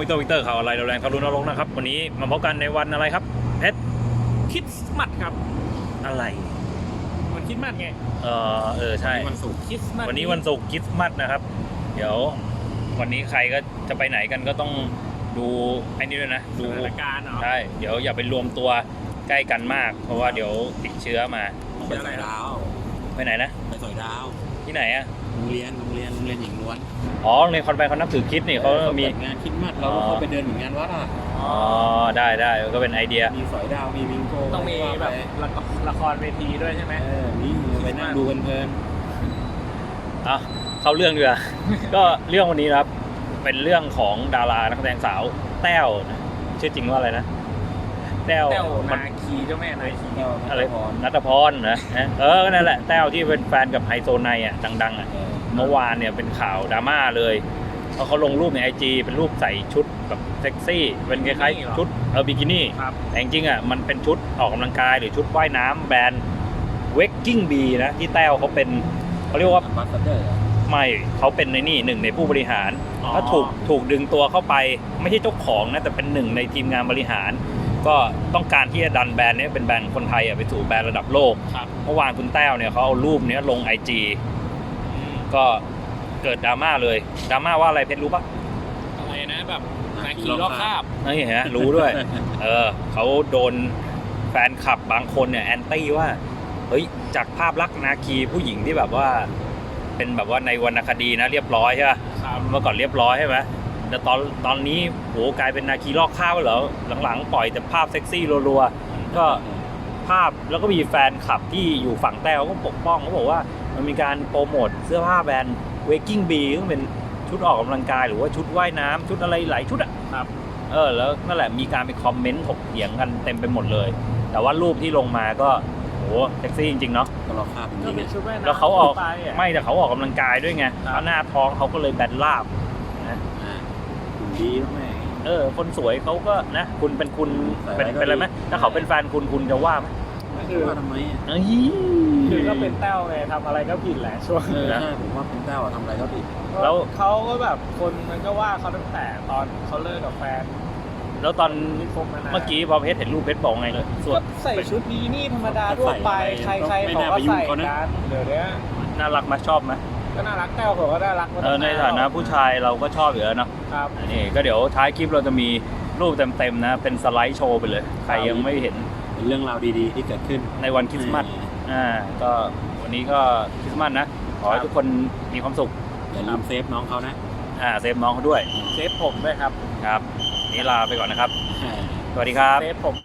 วิกเตอร์ข่าวอะไรแรงทะลุนรกนะครับวันนี้มาพบกันในวันอะไรครับเพชรคริสต์มาสครับอะไรวันคริสต์มาสไงใช่วันศุกร์คริสต์มาสวันนี้วันศุกร์คริสต์มาสนะครับเดี๋ยววันนี้ใครก็จะไปไหนกันก็ต้องดูไอ้นี่ด้วยนะสดูถานการณ์เนาะใช่เดี๋ยวอย่าไปรวมตัวใกล้กันมาก เพราะว่าเดี๋ยวติดเชื้อมาไปสอยดาวไปไหนนะไปสอยดาวที่ไหนอ่ะโรงเรียนหญิงล้วนอ๋อในคอนแวนเขานับถือคริสต์นี่เขามีปิดงานคริสต์มาสเราก็เข้าไปเดินเหมือนงานวัดอ่ะอ๋อได้ก็เป็นไอเดียมีสอยดาวมีวิงโกต้องมีแบบละครเวทีด้วยใช่ไหมนี่ไปนั่งดูเพลินอ่ะเข้าเรื่องดีกว่า ก็เรื่องวันนี้นะครับเป็นเรื่องของดารานักแสดงสาวแต้วนะชื่อจริงว่าอะไรนะแต้วแต้วนาคีเจ้าแม่นาคีๆอะไรพรนัทพรนะนั่นแหละแต้วที่เป็นแฟนกับไฮโซไนอ่ะดังๆอ่ะเมื่อวานเนี่ยเป็นข่าวดราม่าเลยเพราะเขาลงรูปใน IG เป็นรูปใส่ชุดแบบเซ็กซี่เป็นคล้ายๆชุดบิกินี่ครับแต่จริงๆอ่ะมันเป็นชุดออกกำลังกายหรือชุดว่ายน้ำแบรนด์ Waking Bee นะที่แต้วเขาเป็นเขาเรียกว่าบัสเตอร์ไม่เขาเป็นในนี่หนึ่งในผู้บริหารถ้าถูกดึงตัวเข้าไปไม่ใช่เจ้าของนะแต่เป็นหนึ่งในทีมงานบริหาร ก็ต้องการที่จะดันแบรนด์นี้เป็นแบรนด์คนไทยไปสู่แบรนด์ระดับโลกครับเมื่อวานคุณแต้วเนี่ยเขาเอารูปนี้ลง IG ก็เกิดดราม่าเลยดราม่าว่าอะไรเพชรรู้ปะอะไรนะแบบนาคีลอกคราบนี่ฮะรู้ด้วย เขาโดนแฟนคลับบางคนเนี่ยแอนตี้ว่าเฮ้ยจากภาพลักษณ์นาคีผู้หญิงที่แบบว่าเป็นแบบว่าในวรรณคดีนะเรียบร้อยใช่ป่ะครับเมื่อก่อนเรียบร้อยใช่ไหมแต่ตอนนี้โหกลายเป็นนาคีลอกข้าวเหรอหลังๆปล่อยแต่ภาพเซ็กซี่รัวๆก็ภาพแล้วก็มีแฟนคลับที่อยู่ฝั่งแต้วก็ปกป้องเขาบอกว่ามันมีการโปรโมทเสื้อผ้าแบรนด์ Waking Bee ซึ่งเป็นชุดออกกำลังกายหรือว่าชุดว่ายน้ำชุดอะไรหลายชุดอ่ะครับแล้วนั่นแหละมีการไปคอมเมนต์ถกเถียงกันเต็มไปหมดเลย แต่ว่ารูปที่ลงมาก็โหเซ็กซี่จริงๆเนาะก็เราคาบจก็ริงเป็นชุดแม่น้ำแล้วเขาออกไปอ่ะไม่แต่เขาออกกำลังกายด้วยไงครับแล้วหน้าท้องเขาก็เลยแบนราบนะหุ่นดีแล้วแม่คนสวยเขาก็นะคุณเป็นคุณแต่เป็นก็เป็นอะไรไหมดีถ้าเขาเป็นแฟนคุณจะว่าไหมคือว่าทำไมเอ้ยคือก็เป็นแต้วไงทำอะไรก็ผิดแหละช่วงใช่ผมว่าคุณแต้วทำอะไรก็ผิดแล้วเขาก็แบบคนมันก็ว่าเขาตั้งแต่ตอนเขาเลิกกับแฟนแล้วตอนที่คบมานานเมื่อกี้พอเพชรเห็นรูปเพชรบอกไงเลยส่วนก็ใส่ชุดบีนี่ธรรมดาทั่วไปใครๆเขาก็ใส่กันเดี๋ยวนี้น่ารักไหมชอบไหมก็น่ารักแต้วเขาก็น่ารักมาตั้งในฐานะผู้ชายเราก็ชอบอยู่แล้วเนาะครับนี่ก็เดี๋ยวท้ายคลิปเราจะมีรูปเต็มๆนะเป็นสไลด์โชว์ไปเลยใครยังไม่เห็นเป็นเรื่องราวดีๆที่เกิดขึ้นในวันคริสต์มาสก็วันนี้ก็คริสต์มาสนะขอให้ทุกคนมีความสุขอย่าลืมเซฟน้องเขานะเซฟน้องเขาด้วยเซฟผมด้วยครับครับนี้ลาไปก่อนนะครับสวัสดีครับเซฟผม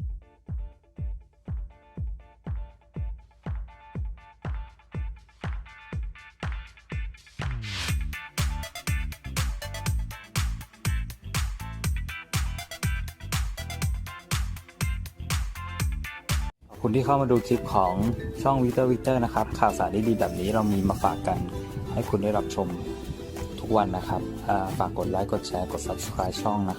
ขอบคุณที่เข้ามาดูคลิปของช่องวิกเตอร์นะครับข่าวสารดีๆแบบนี้เรามีมาฝากกันให้คุณได้รับชมทุกวันนะครับฝากกดไลค์กดแชร์กด Subscribe ช่องนะครับ